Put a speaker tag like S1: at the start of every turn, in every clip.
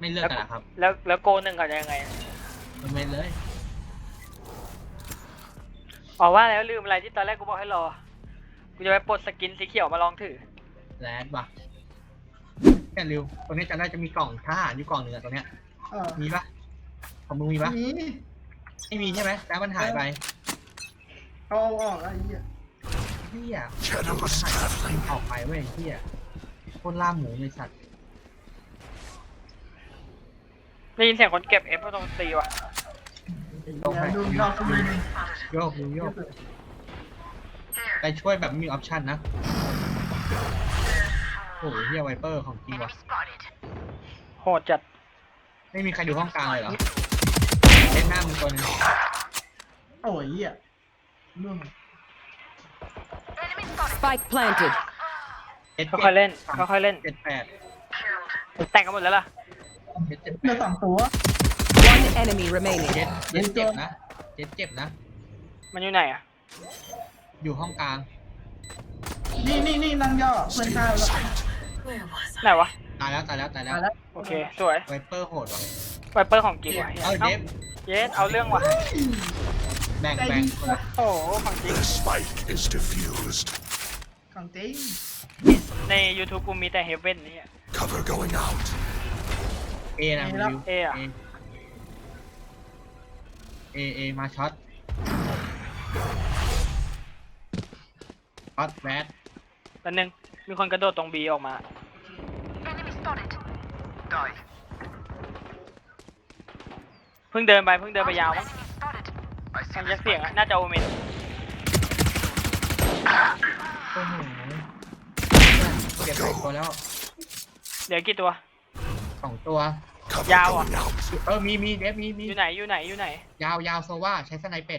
S1: ไม่เลือกกันครับ
S2: แล้วโกหนึ่งเขาจะยังไง
S1: มันไม่เลย
S2: อ๋อว่าแล้วลืมอะไรที่ตอนแรกกูบอกให้รอกูจะไปปลดสกินสีเขียวมาลองถือ
S1: แรดว่ะแค่ริวตรงนี้จะได้จะมีกล่องทหารอยู่กล่องหนึ่งอะตรงเนี้ยมีปะของมึงมีปะไม่มีใช่ไหมแล้วมันหายไป
S3: เอาออกไอ้เหี้ย
S1: ออกไปเว้ยเหี้ยคนล่าหมูในสัตว์
S2: ได้ยินเสียงคนเก็บเอฟตรงตีว่ะ
S3: ดูดอกมือ
S1: โยกดูโยกไปช่วยแบบมีออปชั่นนะโอ้โหเฮียไวเปอร์ของจริงว่ะ
S2: โหดจัด
S1: ไม่มีใครดูห้องกลางเลยเหรอเล่นหน้ามึงตัวนึง
S3: โอ้ยเหี้ยเรื่อง
S4: Spike planted
S2: ค่อยๆเล่นค่อยๆเล่น
S1: 7-8
S2: แต่งกันหมดแล้วล่ะ
S3: เนื้อ2ตัว
S4: One enemy remaining
S1: เจ็บนะเจ็บนะ
S2: มันอยู่ไหนอ่ะ
S1: อยู่ห้องกลาง
S3: นี่นั่งย่อเพื่อนข้าวแล้ว
S2: ไหนวะ
S1: ตายแล้ว
S2: โอเคสวย
S1: ไวเปอร์โหดว่ะ
S2: ไวเปอร์ของจริงว่ะ
S1: เอาเดฟ
S2: เยสเอาเรื่องว่ะ
S1: แบ่ง
S2: โอ้ของจริง
S3: ของจริง
S2: ใน YouTube กูมีแต่เฮเว่นนี่
S5: Cover going out
S1: เอนะ
S2: เออะ
S1: เอมาช็อตแบด
S2: แป๊บนึงมีคนกระโดดตรงบีออกมาเพิ่งเดินไปยาวมั้งทางยักเสียงน่าจะโอเมน
S1: โอ้โหเก็บไปตัวแล้ว
S2: เดี๋ยวกี่ตัว
S1: 2 ตัวย
S2: าวอ่ะ
S1: มีเดฟมี
S2: อยู่ไหน
S1: ยาวโซว่าใช้สไนเป็ด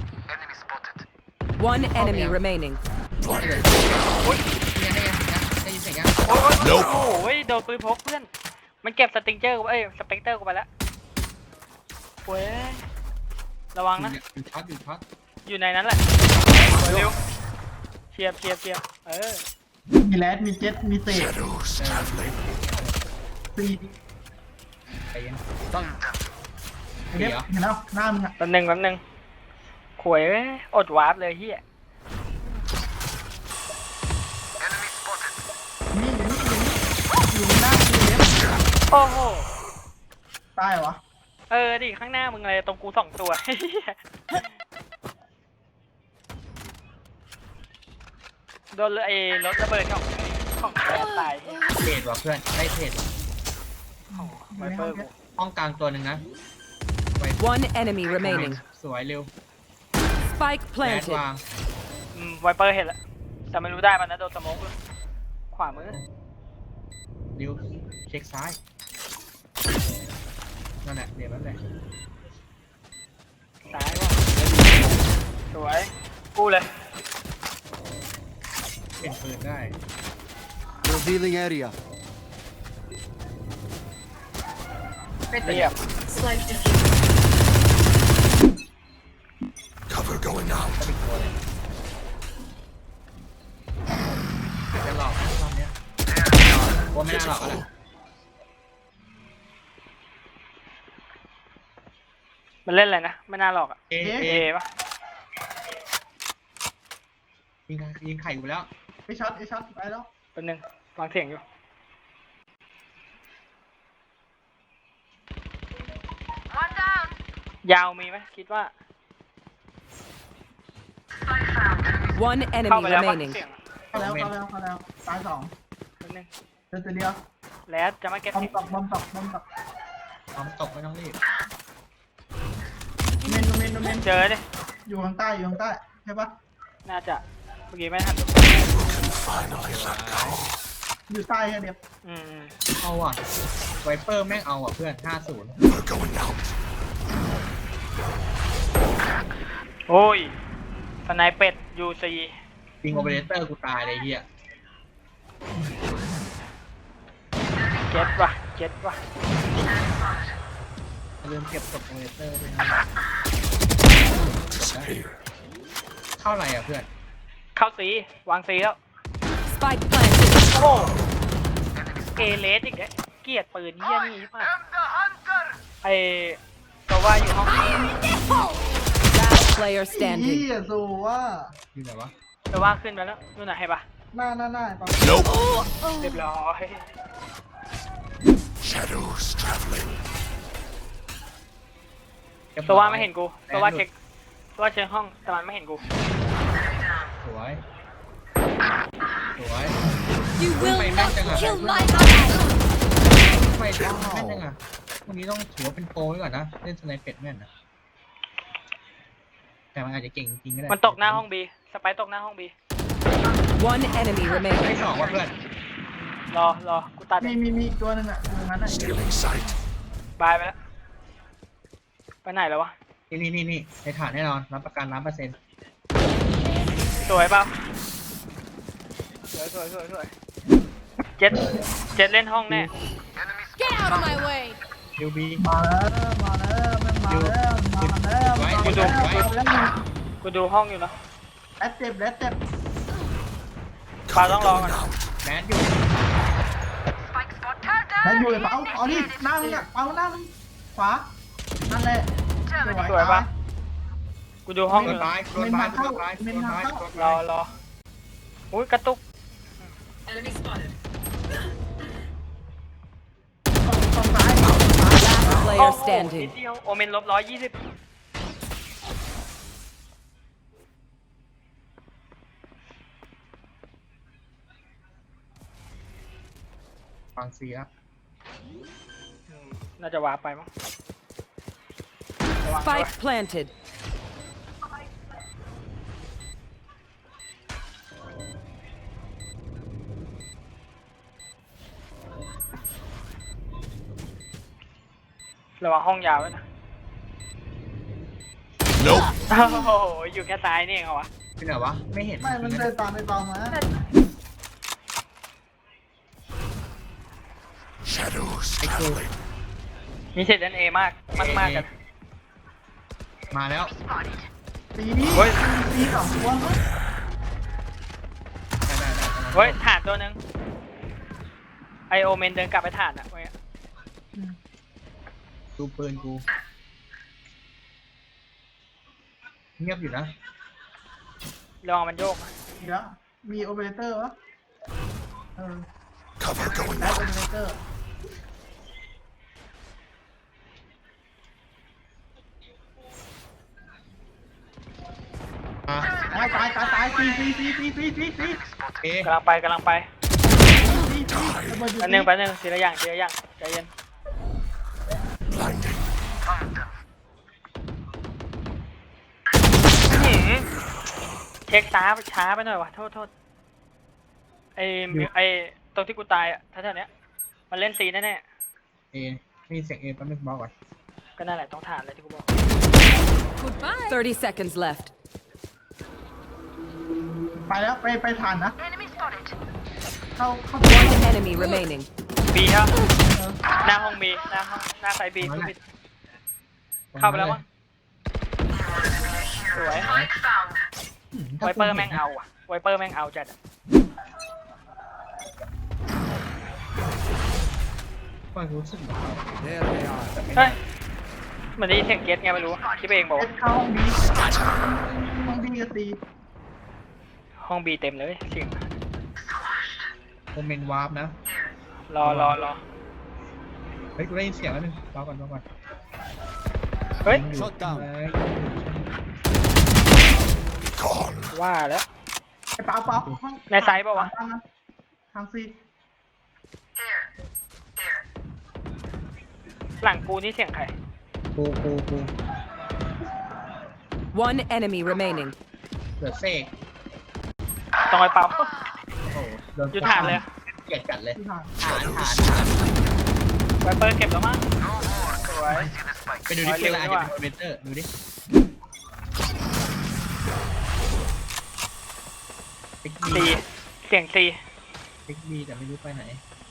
S4: One enemy remaining
S1: ได้ยินเสียงยัง
S2: โอ้ยโดนปืนพกเพื่อนมันเก็บสติงเจอร์สเปกเตอร์กูไปแล้วเว้ยระวังนะ
S1: อยู่ช็อต
S2: อยู่ในนั้นแหละเร็วเชียบ
S3: มีแรดมีเจ็ตมีเตะตี
S1: ไปยัง
S3: เด็บเห็นแล้วหน้ามึงอ่ะ
S2: แป๊บนึงขวยอดวาร์ปเลยเฮีย
S3: นี่อยู่หน้ากูเด็บ
S2: โอ้โห
S3: ตายวะ
S2: ดิข้างหน้ามึงเลยตรงกู2 ตัวโดนเลยรถระเบิดของแกตาย
S1: เทรดว่ะเพื่อนได้เทรด
S2: ไวเปอร์
S1: ห้องกลางตัวหนึ่งนะ
S4: One enemy remaining
S1: สวยเร็ว
S4: Spike planted
S1: วาง
S2: ไวเปอร์เห็นแล้วแต่ไม่รู้ได้มันนะโดนสโมกขวามือ
S1: เร็วเช็คซ้ายนั่นแหละเดี๋ยวนั่นแหละ
S2: ซ้ายว่ะสวยกูเลย
S1: เป็นปืนได้
S5: Revealing area
S2: เรียบ
S5: Cover going out
S1: จะหลอกนะรอบเนี้ยว่าไม่น่าหลอกนะ
S2: มันเล่นอะไรนะไม่น่าหลอกอ่ะเอปะ
S1: ยิงไข่อยู่แล้ว
S3: ไปช็อตไปแล้ว
S2: เป็นหนึ่งวางเสียงอยู่ยาวมีไหมคิดว่า
S4: One enemy remaining
S3: เข้าแล้วตาย2
S2: เป็นหนึ่ง
S3: เดินเดียว
S2: แล้วจะไม่เก็บบ
S3: อมตก
S1: ไม่ต้องรีบ
S3: เมน
S2: เจอดิ
S3: อยู่ข้างใต้ใช่ปะ
S2: น่าจะเมื่อกี้ไม่ทัน
S3: อยู่ใต้แค่เดียว
S1: เอาอ่ะไวเปอร์แม่งเอาอ่ะเพื่อน50
S2: โอ้ยสไนเป็ดยูซี
S1: ยิงโอเปอเรเตอร์กูตายเลยเฮีย
S2: เจ็ดว่ะ
S1: ลืมเก็บศพโอเปอเรเตอร์ด้วยนะเข้าอะไรอ่ะเพื่อน
S2: เข้าซีวางซีแล้ว
S4: Spike planted
S2: โอ้เอเลสอีกแล้วเกลียดปืนเฮียนี่ใช่ปะไอก็ว่าอยู่ห้อง
S4: Last player
S3: เฮี
S4: standing.
S3: ยสูว่า
S1: อยู่ไหนวะ
S2: ก็ว่าขึ้นไปแล้วนู่นน่ะให้ปะ
S3: หน้าปัง
S5: Nope.
S2: เรียบร้อย
S5: Shadows traveling.
S2: ก็ว่าไม่เห็นกูก็ว่าเช็คก็ว่าเช็คห้องแต่มันไม่เห็นกู
S1: สวยสวย
S6: You will
S1: Mày
S6: not
S1: mang chẳng à?
S6: kill my ally.
S1: ไม่ได้แม่นยังอ่ะวันนี้ต้องถือว่าเป็นโปรไว้ก่อนนะเล่นสไนเป็ดแม่นนะแต่มันอาจจะเก่งจริงก็ได้
S2: มันตกหน้าห้องบีสไปร์ตกหน้าห้องบี
S4: One enemy
S1: ไม่
S4: remaining.
S1: สองว่ะเพื่อน
S2: รอกูตัด
S3: มีอีกตัวหนึงอ่ะตรงนั้นอ่ะ
S5: Stealing sight.
S2: บายไปแล้วไปไหนแล้ววะ
S1: นี่ในฐานแน่นอนรับประกัน100%
S2: สวยเปล่าสวยเจ็ดเล่นห้องแน่
S6: Get out of my way.
S1: คิวบี
S3: มาแล้วมันมาแล้ว
S2: กูดูห้องอยู่นะ
S3: แอดเจ็บ
S2: ปาต้องรอก่อน
S5: Going out.
S1: แมนอยู่
S3: แล้วอยู่เลยเปล่าเอาดิหน้ามึงอ่ะเปล่าหน้ามึงขวานั่นแหละ
S2: สวยปะกูดูห้องอ
S1: โด
S2: ยู่
S1: น
S2: นะ
S1: ตายโดนตายโดนตายโดนตายโดน
S2: ร
S1: ตา
S2: อย อุ้ยกระตุก
S3: ตรงซ้าย
S4: Last
S2: โอ้
S4: player
S2: โหนิ
S4: standing.
S2: ดเดียวโอเมนลบ120
S1: ฟังซีแล้ว
S2: น่าจะวาร์ปไปมั้งระวัง
S4: Spike planted.
S2: ระวังห้องยาวไว้นะ
S5: Nope.
S2: โอ้โหอยู่แค่ซ้ายนี่เองเหรอวะ
S1: เป็นไหนวะไม่เห็น
S3: ไม่มันเดินตามไปเปล่ามา
S5: Shadows traveling.
S2: มีเศษเล่นเอมากกัน
S1: มาแล้ว
S3: ตีนี้
S2: เฮ้ย
S3: ตีสองตัวมั้ง
S1: ได้
S2: เฮ้ยฐานตัวหนึงไอโอเมนเดินกลับไปฐานอะเว้ย
S1: ดูปืนกูเงียบอยู่นะ
S2: ระวังมันโยกนะ
S3: เดี๋ยวมีโอเปอเรเตอร์วะ
S5: Cover going
S3: ได้โอ
S5: out.
S3: เปอเรเตอร์
S1: อ่ะ
S3: ตายตี
S1: เอ๊ะ
S2: กำลังไประเบิดอยู่
S5: Die.
S2: แป๊บนึงทีละอย่างใจเย็น
S5: Blinding.
S2: อื้อหือเช็คช้าไปหน่อยวะโทษไอตรงที่กูตายอะแถวๆเนี้ยมันเล่นซีแน่
S1: เอมีเสียงเอแป๊บนึงบอกก่อน
S2: ๆก็นั่นแหละต้องฐานเลยที่กูบอก
S6: Goodbye.
S4: 30 seconds left.
S3: ไปแล้วไปผ่านนะเข้า
S4: One enemy remaining.
S2: บีครับหน้าห้องบีหน้าไซบีกูปิดเข้าไปแล้วมั้งสวยไวเปอร์แม่งเอาอะไวเปอร์แม่งเอาจัดอะ
S1: ก็รู้สึกแบบ
S5: There they are.
S2: เฮ้ยมันได้ยินเสียงเกตไงไม่รู้คิดไปเองบอก
S3: เอ็
S2: ว่า
S3: ดเข้าห้องบีห้องบีกับตี
S2: ห้องบีเต็มเลยเสียง
S1: โอเมนวาร์ปนะ
S2: รอ
S1: เฮ้ยกูได้ยินเสียงแล้วนึงรอก่อน
S2: เฮ้ย
S5: Shut down.
S1: เฮ้ย
S5: Be gone.
S2: ว่าแล้ว
S3: ไอ้เปล่าห้อง
S2: ในไซส์เปล่าวะ
S3: ทางซี
S2: หลังกูนี่เสียงใคร
S1: กู
S4: One enemy remaining.
S1: เหลือเสก
S2: ต้องไปปั๊ม
S1: โอ้โหโดน
S2: อยู่ฐานเลย
S1: เกลียดจัดเลย
S3: ที่ผ่าน
S1: ฐาน
S2: ไวเปอร์เก็บแล้วมั้งสวย
S1: ไปดูดิเกลียดอะไรอาจจะเป็นคอมเมนเตอร์ดูดิปิก
S2: ซี
S1: บี
S2: เสียงซี
S1: ปิกบีแต่ไม่รู้ไปไหน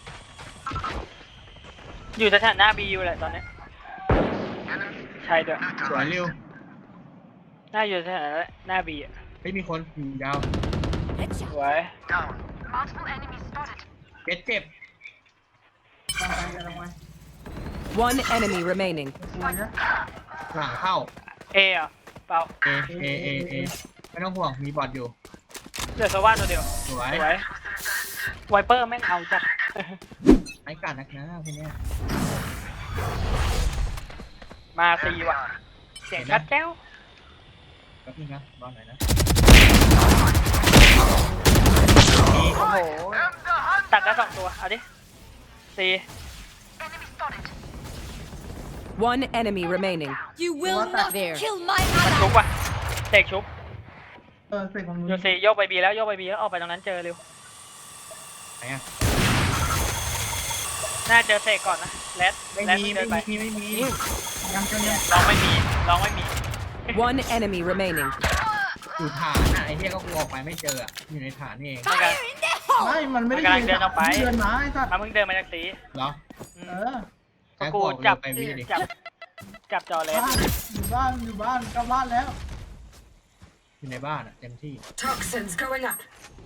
S2: อยู่สถานหน้าบีอยู่แหละตอนเนี้ยใช่ด้วย
S1: สวยเร็ว
S2: น่าอยู่สถานหน้าบีอะ
S1: ไม่มีคนอยู่ยาว
S2: สวย
S1: เจ็บ
S3: วางไปกันลงไป
S4: One enemy remaining.
S3: สวยนะ
S1: หลังเข้า
S2: เออะเปล่า
S1: เอไม่ต้องห่วงมีบอทอยู่
S2: เหลือโซว่าตัวเดียว
S1: สวย
S2: สวยไวเปอร์แม่งเอาจัด
S1: ไอ้การนักนะพวกเนี้ย
S2: มาซีว่ะเสียงชัดแจ้ว
S1: แป๊บนึงนะบอลหน่อยนะ
S2: โอ้โหตัดได้2ตัวเอาดิซี
S4: One enemy remaining.
S6: You will not kill my
S2: ชุบ
S6: ally.
S2: ว่ะเสกชุบ
S3: เสร็จของมึง
S2: โยซีโยกไปบีแล้วโยกไปบีแล้วออกไปตรงนั้นเจอเร็ว
S1: ไหนอ่ะ
S2: น่าเจอเสกก่อนนะแรด
S1: ไม่
S2: แรด
S1: มี
S2: เดินไป
S1: ไม่มี
S3: ยังจะเนี่ย
S2: ลองไม่มีลองไม่มี
S4: One enemy remaining.
S1: อยู่ฐานน่ะไอ้เหี้ยก็กูออกไปไม่เจออ่ะอยู่ในฐานนี่เอง
S2: Fire
S6: in the hole.
S3: ไม่มันไม่ได้
S2: มันกำลังเดินออกไป
S3: เดินมาไอ้สัตว์
S2: มาเพิ่งเดินมาจากซี
S1: เหรอ
S2: อื
S3: เอ
S2: ม
S3: อ
S1: แค่
S2: กู
S1: กู
S2: จับ
S1: ไปวิ่งดิ
S2: จับจอแรด
S3: บ้านอยู่บ้านกลับบ้านแล้ว
S1: อยู่ในบ้านอ่ะเต็มที่
S7: Toxins going up.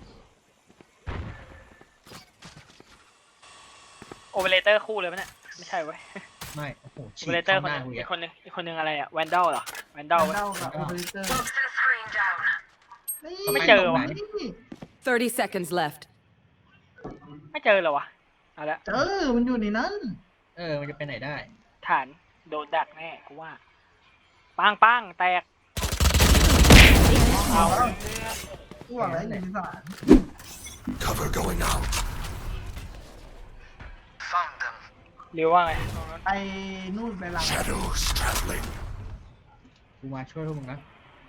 S2: โอเปอเรเตอร์คู่เลยปะเนี่ยไม่ใช่เว้ย
S1: ไม่โอ้โห
S2: โอ
S1: ฉี
S2: เปอเร
S1: ก
S2: เตอร์
S1: เข้า
S2: คน
S1: ห
S2: ห
S1: น้า
S2: นึง
S1: กู
S2: อี
S1: อ่ะ
S2: กคนนึงอะไรอะแวนดอลเหรอแวนดอล
S3: เล่ากับโอเปอเรเตอร์
S7: Toxin screen down.
S2: ไม่เจอว่ะ
S4: 30 seconds left.
S2: ไม่เจอเหรอวะเอาละ
S3: เจอมันอยู่ในนั้น
S1: มันจะไปไหนได้
S2: ฐานโดนดักแน่กูว่าปังแตกเอา
S3: กูบอกแล้วอยู่ในสาร
S5: Cover going out.
S2: เรียวว่าไง
S3: ไอ้นู่นไปหลัง
S5: Shadows traveling.
S1: กูมาช่วยพวกมึงนะ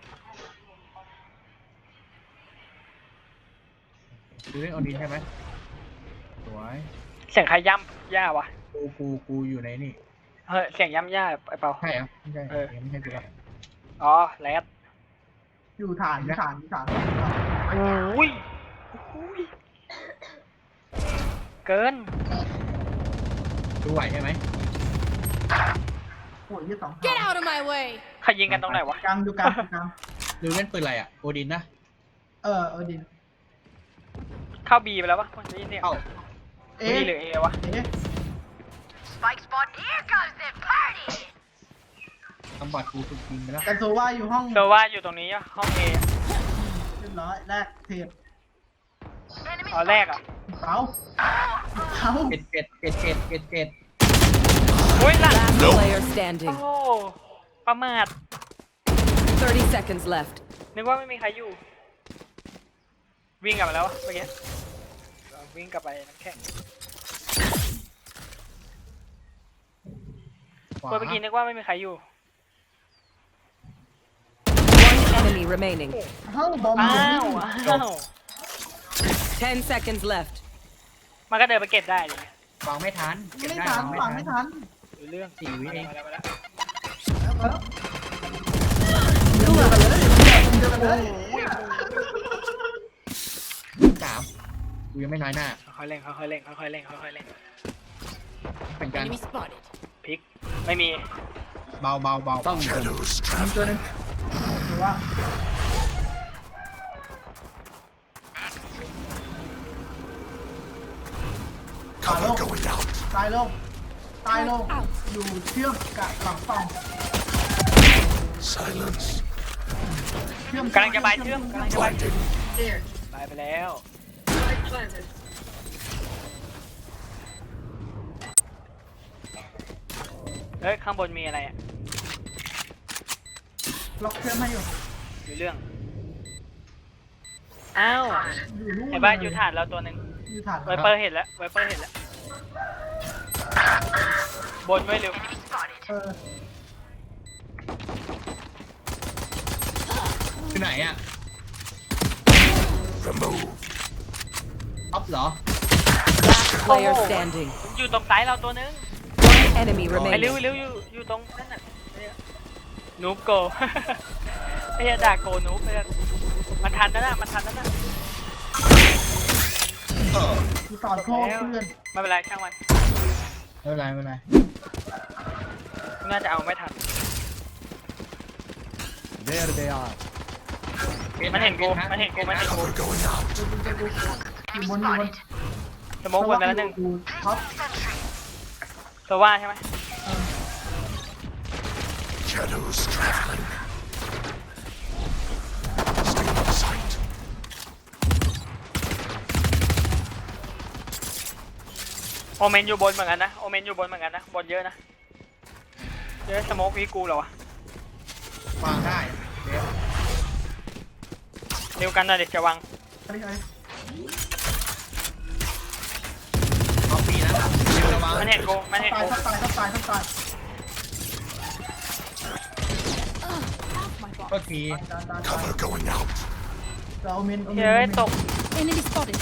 S1: ดูเล่นออดินใช่ไหมสวย
S2: เสียงใครย่ำย่าวะ
S1: กูอยู่ในนี่
S2: เฮ้ยเสียงย่ำย่าไอ้เปา
S1: ใช่เหรอไม่ใช่
S2: เออ
S1: ไม่ใช่กูละ
S2: อ๋อแรด
S3: อยู่ฐาน
S2: โอ้ยเกิน
S1: ดูไหวใช่ไหม
S3: โอ้ยยี่สอง
S6: Get out of my way.
S2: ใครยิงกันตรงไหนวะ
S3: กลางดูกลาง
S1: ดูเล่นปืนอะไรอ่ะโอดินนะ
S3: ดิน
S2: เข้าบีไปแล้วปะคนนี้เนี่ย
S1: เข้า
S2: บีหรือเอวะ
S7: Spike spot. Here comes the party.
S1: ทำบอดกูถูกยิงไปแล้ว
S3: กันโซว่าอยู่ห้อง
S2: โซว่าอยู่ตรงนี้อะห้องเอ
S3: เรียบร้อยแรกเทป
S2: อ๋อแรกอ่ะ
S3: เป้า
S1: เจ็ด
S2: โอ้ยหลัง
S4: Last
S5: Nope.
S4: player
S2: โอ้
S4: standing.
S2: ประมาท
S4: 30 seconds left.
S2: นึกว่าไม่มีใครอยู่ วิ่งกลับมาแล้ววะเมื่อกี้วิ่งกลับไปน้ำแข็ง
S1: ขวา
S2: เมื่อกี้นึกว่าไม่มีใครอยู่
S4: One enemy remaining.
S3: ห้องบอม
S2: อ้าวอ้าว
S4: 10 seconds left.
S2: มันก็เดินไปเก็บได้เลย
S1: วางไม่ทันเก็บ
S3: ไม่
S1: ได้
S3: ทัน
S1: วาง
S3: ฝัง
S1: ไม่
S3: ไม่
S1: ทัน
S3: ทัน
S2: ดูเรื่อง
S1: 4 วิเอง
S2: มาแล้ว
S3: เดือดเลยเดือดเลย
S1: 3กูยังไม่น้อยหน้า
S2: ค่อยๆเล่นค่อยๆเล่นค่อยๆเล่นค่อยๆเล่น
S1: เป็นการ
S6: Enemy spotted.
S2: พลิกไม่มี
S1: เบา
S5: Shadows
S3: มีตัว
S5: traveling.
S3: นึงหรือว่า
S5: Cover going out.
S3: ตายลงอยู่เชื่อมกับหลังฝั่ง
S5: Silence.
S3: เชื่อม
S2: กำลังจะไปเชื่อมกำลังจะไป
S5: Blinding.
S7: There.
S2: ไปแล้ว
S7: Spike planted.
S2: เฮ้ยข้างบนมีอะไรอ่ะ
S3: ล็อกเชื่อมให้อยู่
S2: ดูเรื่องอ้าว
S3: อยู่นู่น
S2: ไอ้บ้านอยู่ฐานเราตัวหนึ่ง
S3: อยู่ฐาน
S2: ไวเปอร์เห็นแล้วไวเปอร์เห็นแล้วบนไว้เร็ว
S1: คือไหนอ่ะ
S5: Remove.
S1: ออฟเหรอ
S4: Last player standing.
S2: อยู่ตรงซ้ายเราตัวหนึง
S4: One enemy
S2: ไอ้เร็ว
S4: remaining.
S2: เร็วอยู่ตรงนั่นน่ะนูบโก ไอ้ยด่าโกนูบไอ้มันทันแล้วนะมันทันแล้วนะ
S3: กูต่อโทษเพื่อน
S2: ไม่เป็นไรช่างมัน
S1: ไม่เป็นไร
S2: น่าจะเอาไม่ทัน
S5: There they are.
S2: มันเห็นกูมันเห็นกู
S5: Cover going out.
S3: อยู่บน
S2: สโมกบนไปแล้วหนึ่ง
S3: กูท็อป
S2: ว่าใช่ไหม
S5: Shadows traveling. Stay in sight.
S2: โอเมนอยู่บนเหมือนกันนะโอเมนอยู่บนเหมือนกันนะบนเยอะนะเยอะสโมกวีกูเหรอวะ
S1: วางได้เดี๋ยว
S2: เร็วกันนะเด็กจะวาง
S3: อะไรอะไร
S1: เอาปีนะเดี๋ยวระวัง
S2: มันเห็นกูมันเห็น
S3: ตาย
S2: กู
S3: ทับตายทับตายทับตาย
S1: ก็ที
S3: ตาย
S5: Cover going out.
S3: เราเมน
S2: เฮ้ยตก
S6: Enemy spotted.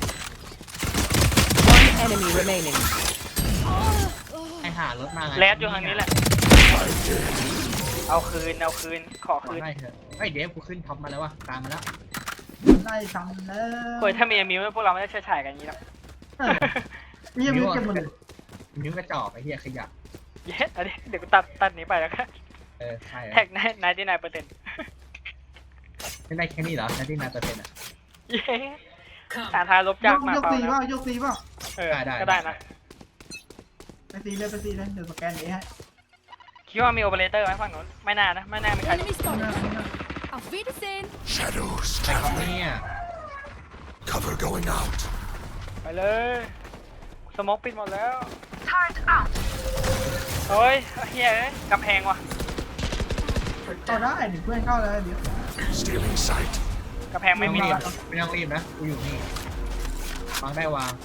S4: One enemy remaining.
S1: ไอหารถมาไง
S2: แรดอยู่ทางนี้แหละเอาคืนขอ
S1: ขอ
S2: คืน
S1: ได้เถอะไอยเดฟกูขึ้นท็อปมาแล้ววะตามมาแล้ว
S3: ได้ทำแล้ว
S2: เฮ้ยถ้ามีมิวพวกเราไม่ได้เชื่อฉายกันอย่างนี้หรอก
S3: นี่ยังมีเก็บหมดเลย
S1: นิ้วกระจอกไอ้เหี้ยขยะ
S2: เย้อันนี้เดี๋ยวกูตัดนี้ไปแล้วกัน
S1: ใช่
S2: แท็ก99%
S1: ไม่ได้แค่นี้เหรอแค่ที่9%อ่ะ
S2: เย้สารทาลบจากมาย
S3: ก
S2: เปล่า
S3: ตี
S2: แล้ว
S3: ว่ายกตีว่า
S2: ก็ได้นะ
S3: ไปตีเลยเดี๋ยวสแกนเองให้
S2: คิดว่ามีโอเปอเรเตอร์ไหมฝั่งนู้นไม่น่านะไม่น่ามีใคร
S6: Enemy spotted. Auf Wiedersehen.
S5: Shadows
S1: ใช่ครับ
S5: traveling.
S1: เนี่ย
S5: Cover going out.
S2: ไปเลยสโมกปิดหมดแล้ว
S7: Turret out.
S2: เฮ้ยเฮียเอ้ยกำแพงว่ะ
S3: เข้าได้เดี๋ยวเพื่อนเข้าเลยเดี๋ยว
S5: Stealing sight.
S2: กำแพงไม่มี
S1: ไม่ต้องรีบนะกูอยู่นี่วางได้วาง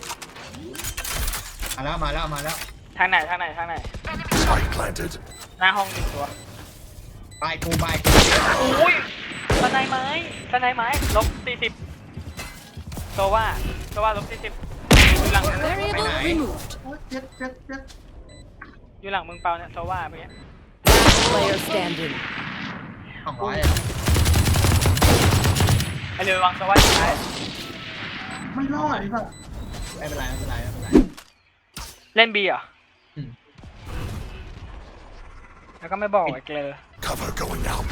S1: มาแล้ว
S2: ทางไหน
S5: Spike planted.
S2: หน้าห้องหนึ่งตัว
S1: บายกู
S2: อุ้ยสไนไม้ลบ40โซว่าลบ40อยู่หลัง
S6: Variable removed.
S3: โอ้ยเจ็ด
S2: อยู่หลังมึงเปล่าเนี่ยโซว่าเมื่อกี้
S4: Player standing.
S1: 200
S2: ไอเรือวางโซว่าอยู่ท้าย
S3: ไม่รอดอีกแบบ
S1: ไม่เป็นไร
S2: เล่นบีเหรอ
S1: อืม
S2: แล้วก็ไม่บอกไอ้เกลอ
S5: Cover going out.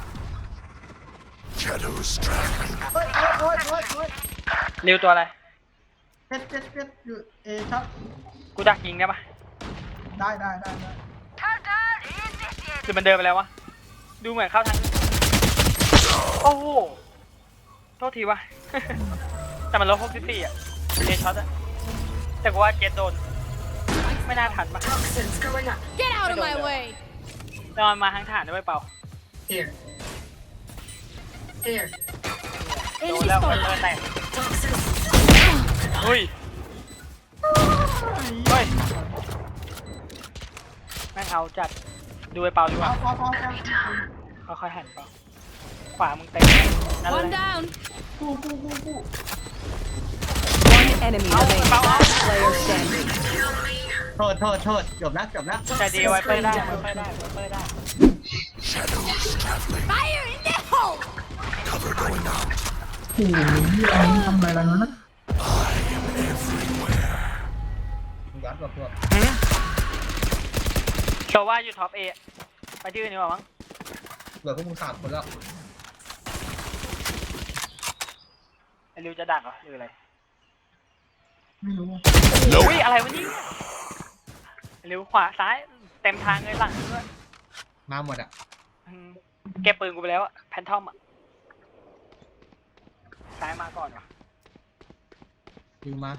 S5: Shadows traveling.
S3: โอ้ย
S2: เร็วตัวอะไร
S3: เจ็ดอยู่ชัด
S2: กูดักยิงได้ปะ
S3: ได้
S7: Countdown initiated.
S2: คือมันเดินไปแล้ววะดูเหมือนเข้าทางโอ้โหโทษทีวะ แต่มันลบ64อ่ะเอช็อตอ่ะแต่กูว่าเกตโดนไม่น่าทันปะ
S6: Get out of my way.
S2: นอนมาทางฐานด้วยเปล่า โดน
S6: Enemy
S2: แล้ว
S6: spotted.
S2: แตกอุ้ยเฮ้ยแม่งเอาจัดดูไอ้เปล่าดีกว่า
S3: เอา
S2: ค่อยๆหันเปล่าขวามึงเต็มนั่น
S6: One
S2: เลย
S6: down.
S3: กู
S4: One enemy remaining. Player standing.
S1: โทษจบแล้ว
S2: ใจดีไว้เปิดได้
S5: Shadows traveling.
S6: Fire in the hole.
S5: Cover going out.
S3: โอ้โหอันนี้ทำอะไรแล้วนะ
S5: I am everywhere.
S1: ยัดกับพวก
S2: โชว่าอยู่ท็อปเอไปที่อื่นดีกว่ามั้ง
S1: เหลือพวกมึง3 คนแล้ว
S2: ไอ้ริวจะดักเหรอหรืออะไร
S3: ไม่รู้
S2: อุ้ยอะไรวะนี่ไอ้ริวขวาซ้ายเต็มทางเลยหลังด้วย
S1: มาหมดอ่ะ
S2: เก็บปืนกูไปแล้วอะแพนทอมอะซ้ายมาก่อนวะ
S1: ยิงมา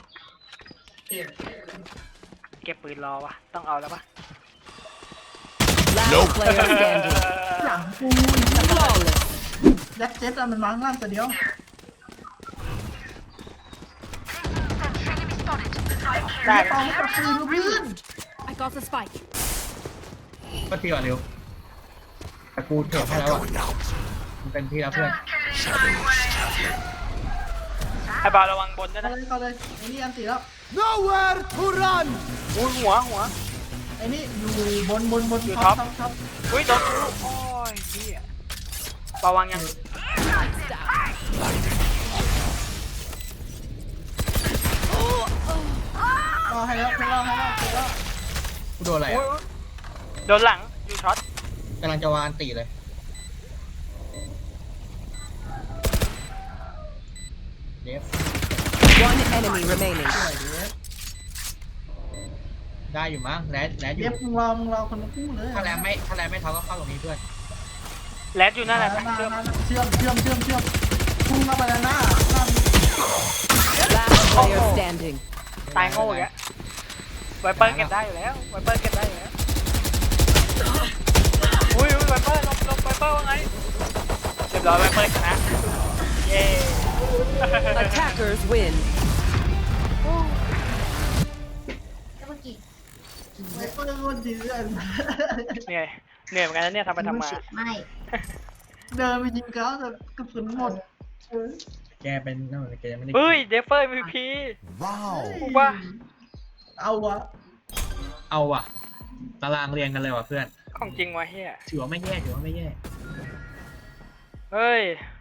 S2: เก็บปืนรอวะต้องเอาแล้วปะ
S4: Last player standing.
S3: หลังกู
S4: Flawless.
S3: แล็กเจ็ตมันมาข้างล่างตัวเดียว
S2: ได้
S3: ตองกับปืนวิ่ง
S6: I got the spike.
S1: ก็ทีก่อนเร็วแต่กูเถิดให้
S5: Cover
S1: แล้วอ่ะ
S5: going out.
S1: มันเป็นที่แล้วเพื่อน
S5: Shadows traveling.
S2: ไอ้บอลระวังบนด้วย
S3: เข้า
S2: นะ
S3: เลยไอ้นี่อันตีแล้ว
S5: Nowhere to run.
S2: อุ้ยหัว
S3: ไอ้นี่อยู่บน
S2: อยู่ท็อป
S3: ท็อป
S2: อุ้ยโดนกูโอ้ยเหี้ยระวังยัง
S3: รอให้แล้ว
S1: กูโดนอะไร
S2: โอ้ย
S1: อ่ะ
S2: โดนหลังอยู่ช็อต
S1: กำลังจะวางตีเลยเดฟ
S4: One enemy remaining.
S1: ได้อยู่มั้งแรดอ
S3: เย็
S1: ยู่
S3: บมึงรอคนละคู่เลย
S1: ถ้าแรดไม่เท่าก็เข้าตรงนี้เพื่อน
S2: แรดอยู่นั่นแหละ
S3: เชื่
S2: เชื่
S3: อ
S2: อ
S3: ม
S2: ม
S3: พุ่งเข้าไปหน้า
S4: Last player standing.
S2: ตายโง่อีกแล้วไวเปอร์เก็บได้อยู่แล้วไวเปอร์เก็บได้อยู่แล้วอุ้ยไวเปอร์ลบไวเปอร์ว่าไงเรียบร้อยไวเปอร์ชนะเย้
S4: Attackers win.
S3: ไม่เปิดคนเดือน
S2: เหนื่อยเหมือนกันนะเนี่ยทำไปทำมา
S7: ไม่
S3: เดินไปยิงเขาแต่กระสุนหมด
S1: แกเป็นนั่นแกไม่ได้
S2: เฮ้ยเดฟเฟอร์ MVP
S5: Wow.
S2: ว่า
S3: เอาวะ
S1: เอาว่ะตารางเรียงกันเลยว่ะเพื่อน
S2: ของจริงวะเฮีย
S1: ถือว่าไม่แย่
S2: เฮ้ย